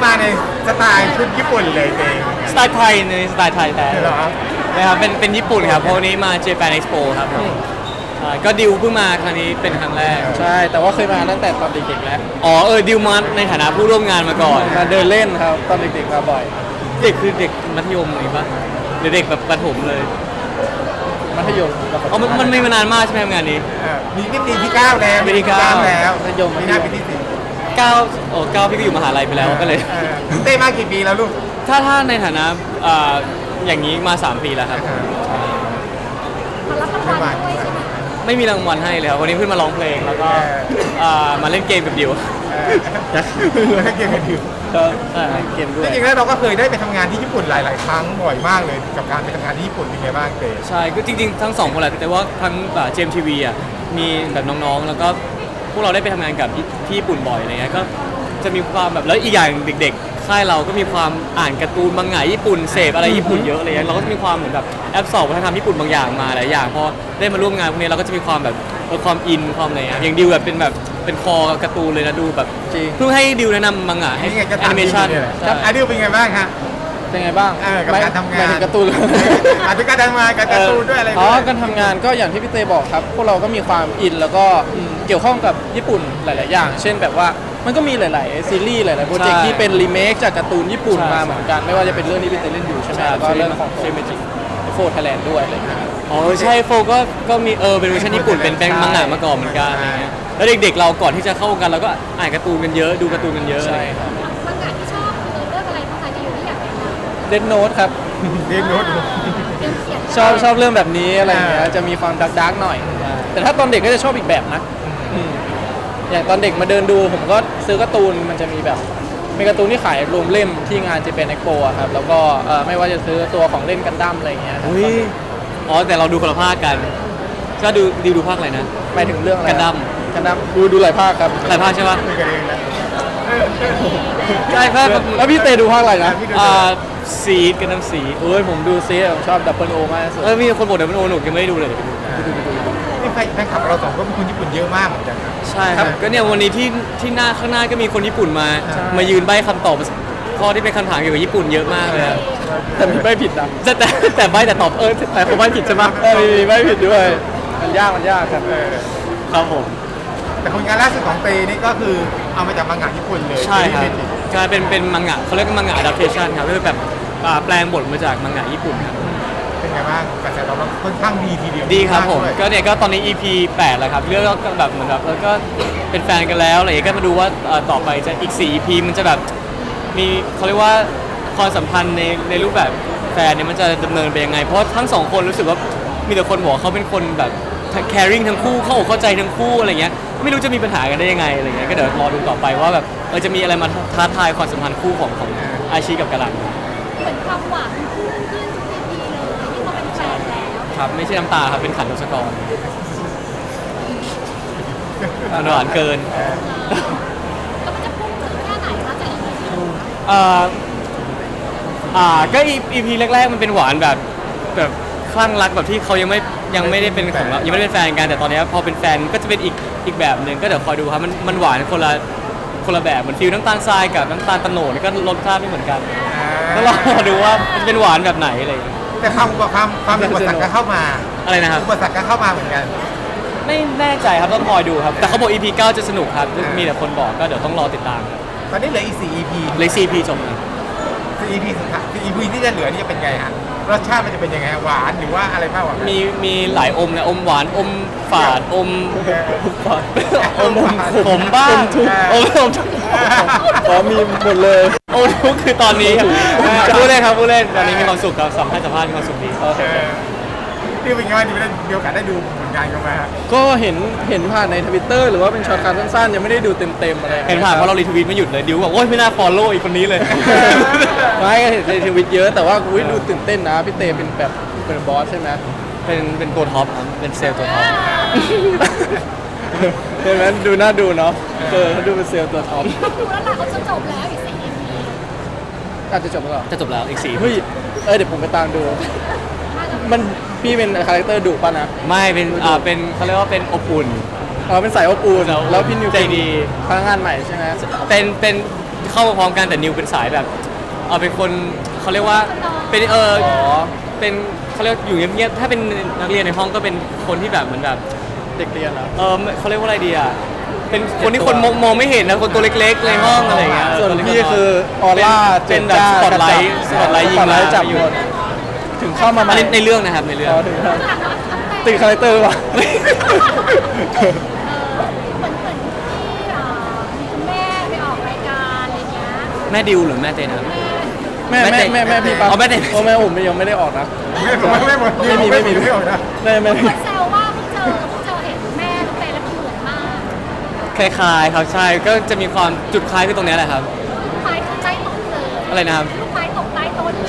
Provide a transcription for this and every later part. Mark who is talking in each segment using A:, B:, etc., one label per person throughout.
A: มาในสไตล์ชุดญี่ปุ่นเลยเอง
B: สไตล์ไทยในสไตล์ไทยแท้
A: เหรอ
B: นะครับเป็นญี่ปุ่นครับเพราะวันนี้มา Japan Expo ครับผมใช่ก็ดิวเพิ่งมาครั้งนี้เป็นครั้งแรก
C: ใช่แต่ว่าเคยมาตั้งแต่ตอนเด็กๆแล้ว
B: อ๋อดิวมาในฐานะผู้ร่วมงานมาก่อน
C: มาเดินเล่นครับตอนเด็กๆมาบ่อย
B: เด็กคือเด็กมัธยมนี่ปะหรือเด็กแบบประถมเลย
C: มัธยม
B: อ๋อมันไม่มานานมากใช่ไหมครับงานนี้
A: มีปีที่9แล้ว
B: ปีที่เก้า
A: แล้ว
C: มัธยม
A: ปีหน้าปีที่10
B: 9พี่ก็อยู่มหาลัยไปแล้วก็เลย
A: เต้มากี่ปีแล้วลูก
B: ถ้าในฐานะอย่างนี้มา 3 ปีแล้วครับ
D: มารับรางวัลด้วยใช่ไหม
B: ไม่มีรางวัลให้เลยครับวันนี้เพิ่งมาร้องเพลงแล้วก็มาเล่นเกมกับดิว
A: ให้เกียรติกันอยู่
C: ก็เกมด้วย
A: จริงๆแล้วเราก็เคยได้ไปทำงานที่ญี่ปุ่นหลายๆครั้งบ่อยมากเลยกับการไปทำงานที่ญี่ปุ่นเป็นไงบ้างเต้
B: ใช่ก็จริงๆทั้งสองคนแหละแต่ว่าทั้งเจมทีวีอ่ะมีแบบน้องๆ แล้วก็พวกเราได้ไปทำงานกับที่ญี่ปุ่นบ่อยอะไรเงี้ยก็จะมีความแบบแล้วอีกอย่างเด็กๆค่ายเราก็มีความอ่านการ์ตูนมังงะญี่ปุ่นเสพอะไรญี่ปุ่นเยอะอะไรเงี้ยเราก็จะมีความเหมือนแบบแอปสอบวัฒนธรรมญี่ปุ่นบางอย่างมาหลายอย่างพอได้มาร่วมงานพวกนี้เราก็จะมีความแบบความอินความอะไรเงี้ยอย่างดิวแบบเป็นคอการ์ตูนเลยนะดูแบบ
C: จริง
B: เพิ่งให้ดิวแนะนำมังงะให้
A: นี่ไงจะ
B: แอนิเมชัน
A: ครับอาดิวเป็นไงบ้างฮะ
C: เป็นไงบ้าง
A: กับการทำงาน
C: หมายถึงการ์ตูน
A: อาจจะการทำงานการ์ตูนด้วยอะไร
C: อ๋
A: ด้
C: อ
A: วย
C: การทำงานก็อย่างที่พี่เตบอกครับ พวกเราก็มีความอินแล้วก็เกี่ยวข้องกับญี่ปุ่นหลาย ๆ อย่าง เช่นแบบว่ามันก็มีหลาย ๆ ซีรีส์หลาย ๆ โปรเจกต์
B: ใช่
C: ที่เป็นรีเมคจากการ์ตูนญี่ปุ่น
B: ใช่
C: มาเหมือนกัน ไม่ว่าจะเป็นเรื่องที่พี่เตเล่นอยู่ใช่ไหม
B: ใช่
C: แล้วก็เรื่องของ
B: ใช่
C: เมจิโฟร์ไทยแลนด์ด้วยอะไรอย่างเงี้ยครับ
B: อ๋อใช่โฟก็มีเป็นเวอร์ชันญี่ปุ่นเป็นมังงะมาก่อนเหมือนกันอะไรเงี้ยแล้วเด็กๆเราก่อนที่จะเข้าวงการเราก็อ่านการ์ตูนกันเยอะดูการ์ตูนกันเยอะ
C: ใช่ครับ
D: บางงานที่ชอบคือเรื่องอะไรบ้างคะที่อยู่ที่อยากแนะนำ
C: เดนโน e ครับ
A: เรียนรู้ดู
D: เรื่องเขียน
C: ชอบเรื่องแบบนี้อะไรอย่างเงี้ย จะมีความดาร์กๆหน่อย แต่ถ้าตอนเด็กก็จะชอบอีกแบบนะอย่างตอนเด็กมาเดินดูผมก็ซื้อการ์ตูนมันจะมีแบบมีการ์ตูนที่ขายรวมเล่มที่งานเจแปนเอ็กโปอะครับแล้วก็ไม่ว่าจะซื้อตัวของเล่นกันดั้มอะไรอย่างเงี้ยครับ
B: อุ้ยอ๋อแต่เราดูคนละภาคกันก็ดูภาคอะไรนะ
C: หมายถึงเรื่องอะไร
B: กันดั้ม
C: กันดั้มดูหลายภาคครับ
B: หลายภาคใช่ปะ
A: คุยกันเองนะ
B: ใช่ภาค
C: แล้วพี่เตดูภาคอะไรนะ
B: ซีดกันน้ำซีด
C: เอ้ยผมดูซีผมชอบดับเบิลโอมากที่สุด
B: มีคนบอกเดี๋ยวมันโอหนุกยังไม่ได้ดูเลยเดี๋ยวไปดู
A: นี่แฟนคลับเราสองก็เป็นคนญี่ปุ่นเยอะมากเหมือนกันนะ
B: ใช่ครับก็เนี่ยวันนี้ที่หน้าข้างหน้าก็มีคนญี่ปุ่นมา
A: ใช่
B: มายืนใบ้คำตอบข้อที่เป็นคำถามเกี่ยวกับญี่ปุ่นเยอะมากเลยอะ
C: แต่มีไม่ผิดนะ
B: แต่ใบ้แต่ตอบแต่เขาใบ้ผิดใช่ปะ
C: มีไม่ผิดด้วยมันยากครับ
B: ครับผม
A: แต่ผลงานล่าสุดของเตนี่ก็คือเอามาจากมังงะญี่ปุ่นเลย
B: ใช่ครับ
A: ที่เป็น
B: กลายเป็นมังงะเขาเรียกว่ามังงะ adaptation ครับก็คือแบบแปลงบทมาจากมังงะญี่ปุ่นครับ
A: เป็นไงบ้างกระแสตอบรับค่อนข้างดีทีเดียว
B: ดีครับผม
A: ากด้วย
B: ก็เนี่ยก็ตอนนี้ EP 8แล้วครับเรื่องก็แบบเหมือนแบบแล้วก็เป็นแฟนกันแล้วอะไรอย่างเงี้ยก็มาดูว่าต่อไปจะอีก4 EP มันจะแบบมีเขาเรียกว่าความสัมพันธ์ในรูปแบบแฟนเนี่ยมันจะดำเนินไปยังไงเพราะทั้งสองคนรู้สึกว่ามีแต่คนบอกว่าเขาเป็นคนแบบ caring ทั้งคู่เข้าอกเข้าใจทั้งคู่อะไรเงี้ยไม่รู้จะมีปัญหากันได้ยังไงอะไรเงี้ยก็เดี๋ยวรอดูต่อไปว่าแบบจะมีอะไรมาท้าทายความสัมพันธ์คู่ของอาชีกับกะลัน
D: เหมือนความหวานมันพุ่งขึ้นทุกทีเลยที่เขาเป็นแฟนแล้ว
B: ครับไม่ใช่น้ำตาครับเป็นขันทศกรมันหวานเกิน
D: แล้วมันจะพุ่งถึงแค่ไหนคะจากอีพีที่ดู
B: ก็ EP แรกๆมันเป็นหวานแบบคลั่งรักแบบที่เขายังไม่ได้เป็นของเรายังไม่ได้เป็นแฟนกันแต่ตอนนี้พอเป็นแฟนก็จะเป็นอีกแบบหนึ่งก็เดี๋ยวคอยดูครับมันหวานคนละแบบเหมือนฟิลน้ำตาลทรายกับน้ำตาลตะโหนดนี่ก็รสชาติไม่เหมือนกันก็รอดูว่ามันจะเป็นหวานแบบไหนอะไรอย่างเงี้ย
A: แต่ความอุปสรรคก็เข้ามา
B: อะไรนะครับ
A: อุปสรรคก็เข้ามาเหมือนกัน
B: ไม่แน่ใจครับต้องคอยดูครับแต่เขาบอก EP 9 จะสนุกครับมีแต่คนบอกก็เดี๋ยวต้องรอติดตามครับ
A: ตอนนี้เหลืออีก4 EP
B: เลย EP จบแล้ว
A: 4 EP สุดท้าย4 EP ที่จะเหลือนี่จะเป็นไงฮะรสชาติมันจะเป็นยังไงหวานหรือว่าอะไรมากกว่ากัน
B: มีหลายอมนะอมหวานอมฝาดอม
A: อมขม
B: บ้าง
C: อมทุกข์
B: อมทุกข์
C: อ๋อมีหมดเลย
B: อมทุกข์คือตอนนี้พูดเล่นครับพูดเล่นตอนนี้มีความสุขครับสัมภาษณ์มีความสุขดี
A: ที่เป็นไงบ้างที่ได้มีโอกาสได้ดูผลงานกันมาฮะ
C: ก็เห็นผ่านในทวิตเตอร์หรือว่าเป็นช็อตการสั้นๆยังไม่ได้ดูเต็มๆอะไร
B: เห็นผ่านเพราะเรารีทวีตไม่หยุดเลยดิวบอกโอ๊ยไม่น่าฟอลโล่อีกคนนี้เลย
C: ไม่ก็เห็นในทวิตเยอะแต่ว่าอุ๊ยดูตื่นเต้นนะพี่เตเป็นแบบเป็นบอสใช่ไหม
B: เป็นตัวท็อปครับเป็นเซลล์ตัวท็อป
C: เห็นไหมดูน่าดูเนาะเขาดูเป็นเซลล์ตัวท็อป
D: ดูแล้วล่ะเขาจะจบแล้วอีก4 EP
C: อาจจะจบแล้วเหรอ
B: จะจบแล้วอีก4
C: เฮ้ยเดี๋ยวผมไปตามดู มันพี่เป็นคาแรคเตอร์ดุป่ะนะ
B: ไม่เป็นเขาเรียกว่าเป็นอบอุ่น
C: เป็นสายอบอุ่น
B: สายอบอุ่น
C: แล้วพี่นิว
B: ใจดี
C: พนักงานใหม่ใช่ไหม
B: เป็นเข้ามาพร้อมกันแต่นิวเป็นสายแบบเป็นคนเขาเรียกว่าเป็นเป็นเขาเรียกอยู่เงียบๆถ้าเป็นนักเรียนในห้องก็เป็นคนที่แบบเหมือนแบบ
C: เด็กเรียนแล้ว
B: เขาเรียกว่าอะไรดีอ่ะเป็นคนที่คนมองไม่เห็นนะคนตัวเล็กๆในห้องอะไรอย่างเงี้ย
C: ส่วนพี่คือออร่า
B: เป็นแบบสปอตไลท์ยิงมา
C: จับหมดถึงเข้ามา
B: อันนี้ในเรื่องนะครับในเรื่อง
C: ถึงตีคาแรคเตอร์ว่ะ
D: เหมือนที่มีคุณแม่ไปออกรายการอะไรเงี้ย
B: แม่ดิวหรือแม่เต้นะครับ
C: แม่พี่ปั๊บ
B: อ๋อแม่เต้
C: โอ้แม่ผมยังไม่ได้ออกนะ
A: ไม่หมด
C: ไม่มี
A: ไม่ออกนะ
C: แม่
D: คนแซวว่าเพิ่งเจอเห็นแม่ลูกเตยแล้วเหมือนมาก
B: คล้ายๆครับใช่ก็จะมีความจุดคล้ายคือตรงเนี้ยแหละครับ
D: ลูกไม้คือใต้ต้นเลย
B: อะไรนะครับ
D: ลูกไม้ตกใต้ต้น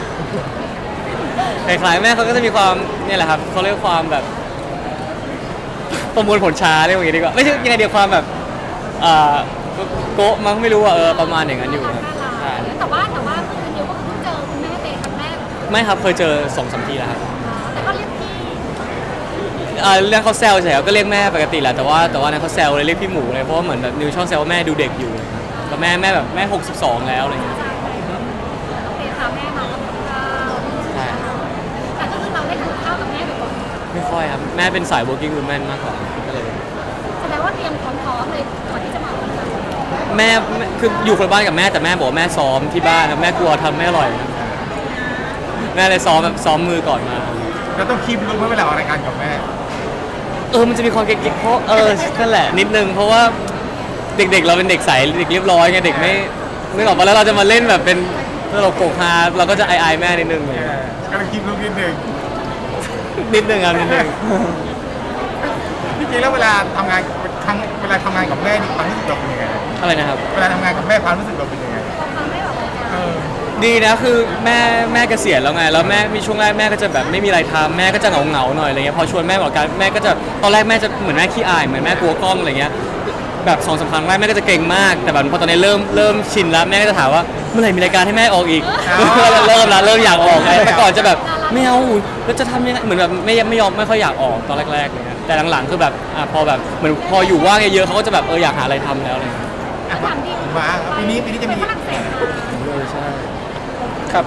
B: คล้ายๆแม่เขาก็จะมีความเนี่ยแหละครับเขาเรียกความแบบประมวลผลช้าเรียกว่าอย่างนี้ดีกว่าไม่ใช่ยังไงเดียวความแบบโกะมั้งไม่รู้ประมาณอย่างนั้นอยู่ครับใช่
D: แต่ว่าคือนิวก็เพิ่งเจอคุณแม่เตยครั้งแรก
B: ไม่ครับเคยเจอ2-3 ทีแล้วครับ
D: แต่ก็เรียกพี่
B: เรื่องเขาแซวเฉยๆก็เรียกแม่ปกติแหละแต่ว่านั้นเขาแซวเลยเรียกพี่หมูเลยเพราะว่าเหมือนแบบนิวชอบแซวว่าแม่ดูเด็กอยู่แล้วแม่แบบแม่62แล้วอะไรอย่างเงี้ย
D: โอเคค่ะแม่มาทำข้าว
B: ใช่
D: แต่ก็คือเราได้ทานข้าวกับแม่บ่อย
B: ไม่ค่อยครับแม่เป็นสาย working woman มากกว่าก็เลย
D: ๆแสดงว่าเตรียมพร้อมๆเลยก่อนที่จะมาทำงาน
B: แม่คืออยู่คนละบ้านกับแม่แต่แม่บอกว่าแม่ซ้อมที่บ้านนะแม่กลัวทำไม่อร่อยนะแม่เลยซ้อมแบบซ้อมมือก่อนมา
A: เราต้องคีบรู้ไหมเวลาออกรายการกับแม่
B: มันจะมีความเก๊กๆเพราะนั่นแหละนิดนึงเพราะว่าเด็กๆเราเป็นเด็กใสเด็กเรียบร้อยไงเด็กไม่นึกออกปะแล้วเราจะมาเล่นแบบเป็นตลกโปกฮาเราก็จะอายๆแม่นิดนึงเลย
A: ก็ต้องคีบรู้นิดนึง
B: นิดนึงครับนิดนึง
A: จริงๆแล้วเวลาทำงานกับแม่นี่ความรู้สึกเราเป็นยังไง
B: อะไรนะครับ
A: เวลาทำงานกับแม่ความรู้สึกเราเป็นยังไง
D: ความไม่แบบรายการ
A: เออ
B: ดีนะคือแม่เกษียณแล้วไงแล้วแม่มีช่วงแรกแม่ก็จะแบบไม่มีอะไรทำแม่ก็จะเหงาๆหน่อยอะไรเงี้ยพอชวนแม่ออกการแม่ก็จะตอนแรกแม่จะเหมือนแม่ขี้อายเหมือนแม่กลัวกล้องอะไรเงี้ยแบบ2-3 ครั้งแรกแม่ก็จะเก่งมากแต่แบบพอตอนนี้เริ่มชินแล้วแม่ก็จะถามว่าเมื่อไหร่มีรายการให้แม่ออกอีกเริ่มอยากออกไงแต่ก่อนจะแบบไม่เอาแล้วจะทำยังไงเหมือนแบบไม่ยอมไม่ค่อยอยากออกตอนแรกๆเลยแต่หลังๆคือแบบพอแบบเหมือนพออยู่ว่างเยอะๆเขาก็จะแบบอยากหาอะไรทำแล้วอะไรเงี้ย
D: ถามดิ
A: มาปีนี้จะมี
D: ฝรั่งเศสมา
B: ใช่
C: ครับ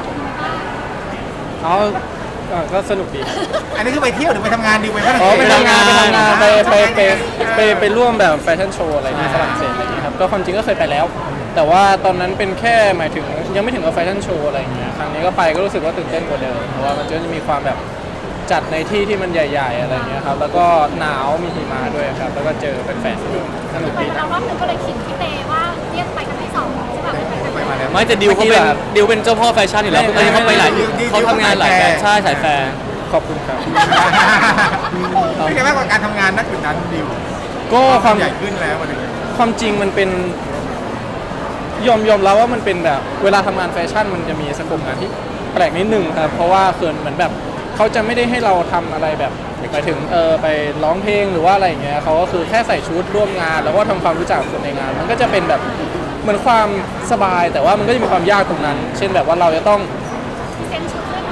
D: เป็นไงบ้าง
C: ก็สนุกดี
A: อันนี้คือไปเที่ยวหรือไปทำงานดีไปฝรั่ง
C: อ๋อ
A: เศส
C: ไปทำงานไปร่วมแบบแฟชั่นโชว์อะไรที่ฝรั่งเศสอะไรอย่างเงี้ยครับก็ความจริงก็เคยไปแล้ว แต่ว่าตอนนั้นเป็นแค่หมายถึงยังไม่ถึงกับแฟชั่นโชว์อะไรอย่างเงี้ยครั้งนี้ก็ไปก็รู้สึกว่าตื่นเต้นกว่าเดิมเพราะว่ามันจะมีความแบบจัดในที่ที่มันใหญ่ๆอะไรอย่างเงี้ยครับแล้วก็หนาวมีหิมะด้วยครับแล้วก็เจอแฟนๆด้วยสนุก
D: ไป
C: ดี
D: มาแล้วรอบนึงก็เลยคิดพี่เตว่าเรียกไปกันที่2ใช่ป่ะไปกัน
A: ไปมาแล้ว
B: ไม่แต่ดิวเขาเป็นดิวเป็นเจ้าพ่อแฟชั่นอยู่แล้วอันนี้เขาไปหลายเขาทำงานหลายแฟชั่นใช่สายแฟร์
C: ขอบคุณครับ
A: เป็นไงบ้างกับการทำงานนักจุดนั้นดิว
C: ก็ความ
A: ใหญ่ขึ้นแล้ววันนี้
C: ความจริงมันเป็นยอมรับว่ามันเป็นแบบเวลาทำงานแฟชั่นมันจะมีสโคปงานที่แปลกนิดนึงครับเพราะว่าเขินเหมือนแบบเขาจะไม่ได้ให้เราทำอะไรแบบไปถึงไปร้องเพลงหรือว่าอะไรอย่างเงี้ยเขาก็คือแค่ใส่ชุดร่วมงาน แล้วก็ทำความรู้จักกับคนในงาน มันก็จะเป็นแบบเหมือนความสบาย แต่ว่ามันก็จะมีความยากตรงนั้น เช่นแบบว่าเราจะต้อง
D: เซ็นชุดด้วยนะ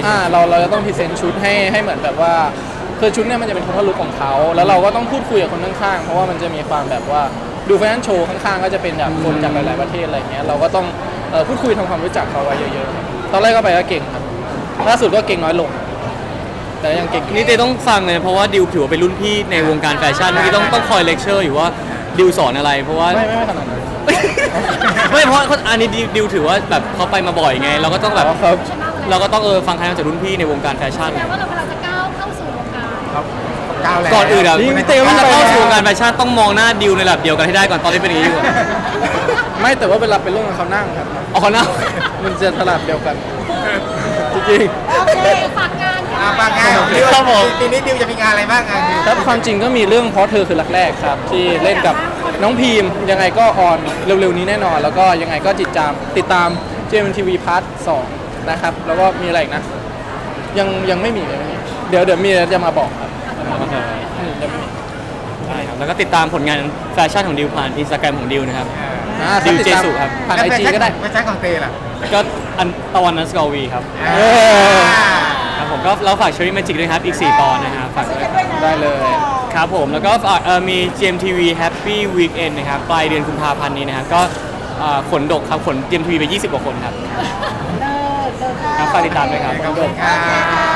C: เราจะต้องพรีเซนต์ชุดให้เหมือนแบบว่าคือชุดเนี่ยมันจะเป็นทัศนลุคของเขาแล้วเราก็ต้องพูดคุยกับคนข้างๆเพราะว่ามันจะมีความแบบว่าดูแฟชั่นโชว์ข้างๆก็จะเป็นแบบคนจากหลายๆประเทศอะไรเงี้ยเราก็ต้องพูดคุยทำความรู้จักเขาไว้เยอะๆตอนแรกก็ไปก็เก่งครับล่าสุดก็เก่งน้อยลง แต่ยังเก่ง
B: นี่เต้ต้องฟังเลยเพราะว่าดิวถือว่าเป็นรุ่นพี่ในวงการแฟชั่นเมื่อกี้ต้องคอยเลคเชอร์อยู่ว่าดิวสอนอะไรเพราะว่า
C: ไม่ขนาดนั้น
B: ไม่เพราะอันนี้ดิวถือว่าแบบเขาไปมาบ่อยไง เราก็ต้องแบบ
C: ครับ
B: เราก็ต้องฟังคำจากรุ่นพี่ในวงการแฟชั่น
D: แปลว่าเรากำลังจะก้าวเข้าสู่วงการ
A: ครับก้าวแล้ว
B: ก่อนอื่นอะ
C: นี่
B: ถ้าจะเข้าสู่วงการแฟชั่นต้องมองหน้าดิวในระดับเดียวกันให้ได้ก่อนตอนที่เป็นอย่างนี้อยู่อะ
C: ไม่แต่ว่าเวลาไปร่วมกับเขานั่งครับ
B: เอาเขาหน้า
C: มันจะตลาดเดียวกันจริง
D: โอเคฝากงานค่ะ
A: ปากงานของดิวปีนี้ดิวจะมีงานอะไรบ้างงานดิว
C: ๆครับความจริงก็มีเรื่องเพราะเธอคือรักแรกครับ ที่เล่นกับน้องพีมยังไงก็ออนเร็วๆนี้แน่นอน แล้วก็ยังไงก็ติดตาม JMTV Part 2นะครับแล้วก็มีอะไรอีกนะยังไม่มีเดี๋ยวมีแล้วจะมาบอกครับ
B: โอเค
C: ยังไม่มี
B: ได้ครับแล้วก็ติดตามผลงานแฟชั่นของดิวผ่านอินสตาแกรมของดิวนะครับ
C: ถ้า
B: ดิว
C: ติดตาม
B: เจสุครับ
C: ผ่านไอจีก็ได้
A: ไม่ใช่ของเตล่ะ
B: ก็อันตะวันนัสกอวีครับ
C: เออ
B: ครับผมก็เราฝากเชอรี่แมจิกด้วยครับอีก 4 ตอนนะครับฝากด้วย
C: ได้เลย
B: ครับผมแล้วก็ฝากมี GMTV Happy Weekend นะครับปลายเดือนกุมภาพันธ์นี้นะครับก็ขนดกครับขนเตรียมทีวีไป20 กว่าคนครับ
D: เลิศ
B: ครับฝากติดตามด้วยครับ
A: ขอบคุณครับ